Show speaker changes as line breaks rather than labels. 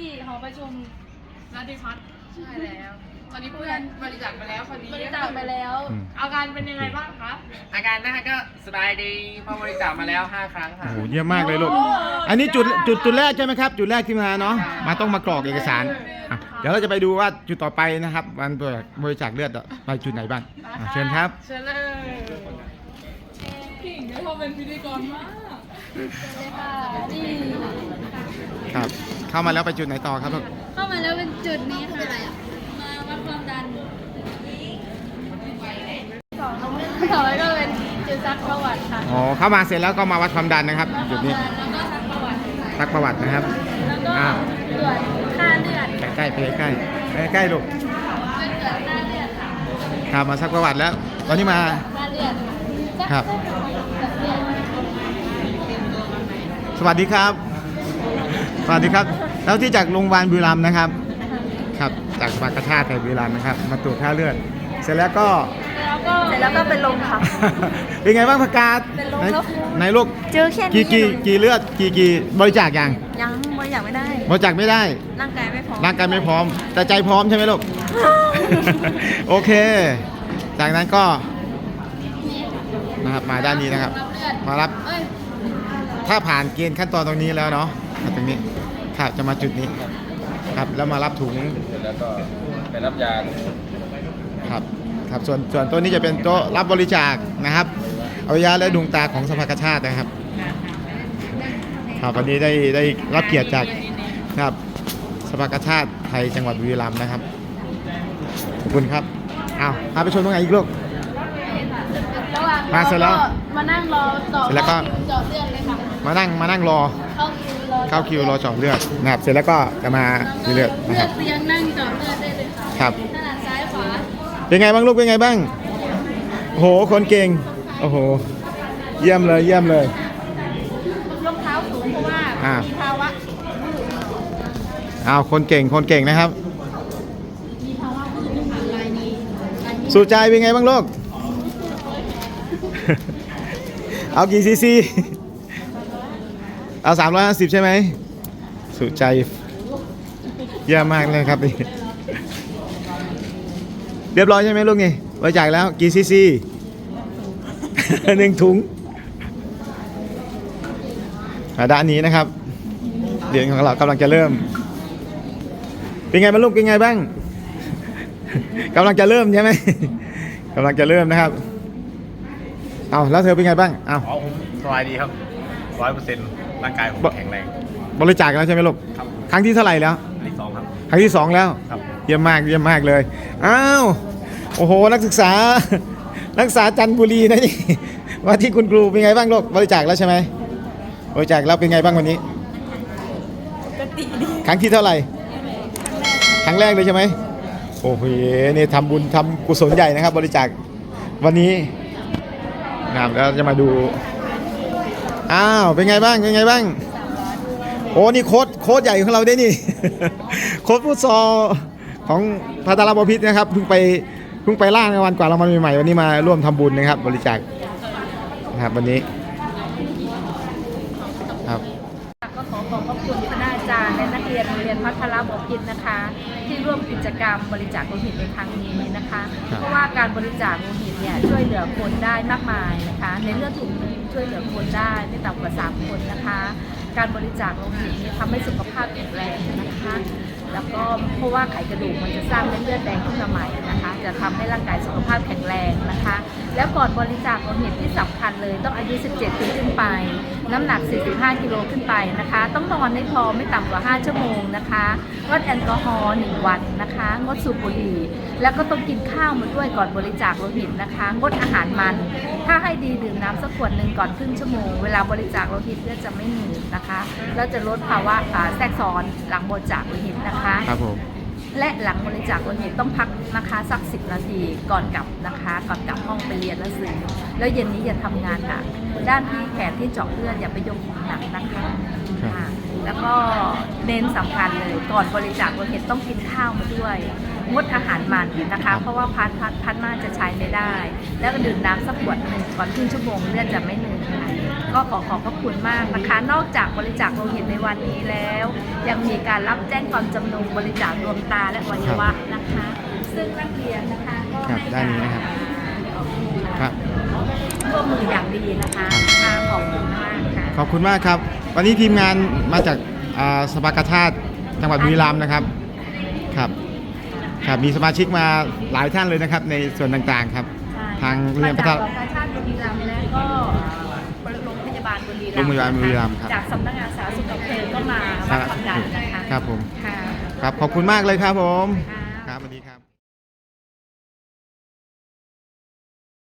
หอประชุม
รัฐพัฒน์ใช่แล้วตอนนี้เพื่อนบริจาคไปแล้วคนนี้
บริจาคไปแล้ว
อาการเป็นยังไงบ้างคะอาการนะคะก็สบายดีเพราะบริจาคมาแล้ว5 ครั้งค่ะ
โอ้โหเยี่ยมมากเลยลูกอันนี้จุดแรกใช่ไหมครับจุดแรกที่มาเนาะมาต้องมากรอกเอกสารเดี๋ยวเราจะไปดูว่าจุดต่อไปนะครับวันบริจาคเลือดไปจุดไหนบ้างเชิญครับ
เชิญเลยพี่หญิงได้พอเป็นพิธีกรมาก
ครับเข้ามาแล้วไปจุดไหนต่อครับลูก
เข้ามาแล้วเป็นจุดนี้ค่ะมาวัดความดันต่อไปก็เป็นจุดซักประวัติค่ะ
อ๋อเข้ามาเสร็จแล้วก็มาวัดความดันนะครับจุดนี้
แล้วก็ซักประวัติ
นะครับ
แล้วก็ตรวจค่าเลือด
ใกล้ใกล้ลูก
ตรวจค่าเลือดค่ะ
ครับมาซักประวัติแล้วตอนนี้มา
ค่าเลือด
ครับสวัสดีครับแล้วที่จากโรงพยาบาลบุรีรัมย์นะครับครับจากสภากาชาติไทยบุรีรัมย์นะครับมาตรวจค่าเลือดเสร็จแล้วก็
เป็นลมค่ะ
เป็นไงบ้างประกาศในโรค
เจอแค่นี้
กี่เลือดกี่บริจาคยัง
บริจาคไม่ได้ร่างกายไม่พ
ร้อมแต่ใจพร้อมใช่ไหมลูก โอเคจากนั้นก็นะครับมาด้านนี้นะครับมารับถ้าผ่านเกณฑ์ขั้นตอนตรงนี้แล้วเนาะตรงนี้ครับจะมาจุดนี้ครับแล้วมารับถุง
แล้วก็ไปรับยา
ครับส่วนตัวนี้จะเป็นโต๊ะรับบริจาคนะครับเอายาและดวงตาของสภากาชาตินะครับวันนี้ได้รับเกียรติจากครับสภากาชาติไทยจังหวัดบุรีรัมย์นะครับขอบคุณครับพาไปชมตรงไหนอีกลูกมาเสร็จแล้ว
มานั่งรอต่อ
เสร็จแล้วก็
เจาะเลือดเลยค่ะ
มานั่งรอเข้าคิวรอเจาะเลือดนะครับเสร็จแล้วก็จะมาเลือดนะครับ
เตียงนั่งเจาะเลือดได้เลยค่ะ
ครับ
ถนัดซ้ายขวา
เป็นไงบ้างลูกเป็นไงบ้างโอ้โหคนเก่งโอ้โหเยี่ยมเลย
รองเท้าสูงเพราะว่ามีภาวะ
คนเก่งนะครับสู่ใจเป็นไงบ้างลูกเอากี่ซีซีเอา350ใช่ไหมสุใจเยี่ยมมากเลยครับนี่เรียบร้อยใช่ไหมลูกนี่บริจาคแล้วกี่ซีซี1 ถุงด้านนี้นะครับเหรียญของเรากำลังจะเริ่มเป็นไงบ้างลูกเป็นไงบ้างกำลังจะเริ่มใช่ไหมกำลังจะเริ่มนะครับแล้วเธอเป็นไงบ้าง
ผมสบายดีครับ100%ร่างกายผมแข็งแรง
บริจาคแล้วใช่ไหมลูก
ครับ
ครั้งที่เท่าไหร่แล้ว
ครั้งที่ 2ครับ
ครั้งที่ 2แล้ว
ครับ
เยี่ยมมากเลยโอ้โหนักศึกษาจันทบุรีนะนี่ว่าที่คุณครูเป็นไงบ้างลูกบริจาคแล้วใช่ไหมบริจาคแล้วเป็นไงบ้างวันนี้
ปกติดี
ครั้งที่เท่าไหร่ครั้งแรกเลยใช่ไหมโอ้โหนี่ทำบุญทำกุศลใหญ่นะครับบริจาควันนี้นะครับแล้วจะมาดูเป็นไงบ้างโอ้นี่โค้ชใหญ่ของเราได้นี่ โค้ชฟุตซอลของพัทรบพิตรนะครับเพิ่งไปล่างในวันกว่าเรามาใหม่ๆวันนี้มาร่วมทำบุญนะครับบริจาคนะครับวันนี้ครับ
ก็ขอขอบพระคุณคณะอาจารย์และนักเรียนโรงเรียนพัทรบพิตรนะคะที่ร่วมกิจกรรมบริจาคโลหิตในครั้งนี้นะคะเพราะว่าการบริจาคโลหิตเนี่ยช่วยเหลือคนได้มากมายนะคะในเลือดถุงนึงช่วยเหลือคนได้ไม่ต่ำกว่า3 คนนะคะการบริจาคโลหิตนี้ทำให้สุขภาพแข็งแรงนะคะแล้วก็เพราะว่าไขกระดูกมันจะสร้างเม็ดเลือดแดงขึ้นมาใหม่นะคะจะทำให้ร่างกายสุขภาพแข็งแรงนะคะแล้วก่อนบริจาคโลหิตที่สำคัญเลยต้องอายุ17 ปีขึ้นไปน้ำหนัก45 กิโลขึ้นไปนะคะต้องนอนให้พอไม่ต่ำกว่า5 ชั่วโมงนะคะงดแอลกอฮอล์1 วันนะคะงดสูบบุหรี่แล้วก็ต้องกินข้าวมาด้วยก่อนบริจาคโลหิตนะคะงดอาหารมันถ้าให้ดีดื่มน้ำสักขวดหนึ่งก่อนครึ่งชั่วโมงเวลาบริจาคโลหิตเลือดจะไม่หนืดนะคะแล้วจะลดภาวะแทรกซ้อนหลังบริจาคโลหิตนะคะ
ครับผม
และหลังบริจาคโลหิตต้องพักนะคะสัก10 นาทีก่อนกลับนะคะก่อนกลับห้องไปเรียนหนังสือแล้วเย็นนี้อย่าทำงานหนักด้านที่แขนที่เจาะเลือดอย่าไปยกของหนักนะคะแล้วก็เน้นสำคัญเลยก่อนบริจาคโลหิตต้องกินข้าวมาด้วยงดอาหารมันนะคะเพราะว่าพัดมากจะใช้ไม่ได้แล้วก็ดื่มน้ำสักขวดหนึ่งก่อนครึ่งชั่วโมงเลือดจะไม่เหนื่อยก็ขอขอบพระคุณมากนะคะ นอกจากบริจาคโลหิตในวันนี้แล้ว ยังมีการรับแจ้งความจำนงบริจาคดวงตาและอวัยวะนะคะ ซึ่งนักเรียนนะคะก็
ครับ
ให้
ด้านนี้นะครับ ครับ
ร่วมมืออย่างดีนะคะค่ะขอบคุณมากค่ะ
ขอบคุณมากครับ วันนี้ทีมงานมาจากสภากาชาติจังหวัดบุรีรัมย์นะครับครับครับมีสมาชิกมาหลายท่านเลยนะครับในส่วนต่างๆครับ ทางโรงเรียนพัฒนา
มาจากกาชาติบุรีรัมย์และก็โรงพยาบาลบุรีรัมย์
โรงพยาบาลบุรีรัมย์ครับ
จากสำนักงานสาธารณสุขอำเภอก็มารับทำงานนะคะ
ครับผม
ค่ะ
ครับขอบคุณมากเลยครับผม
ค่ะ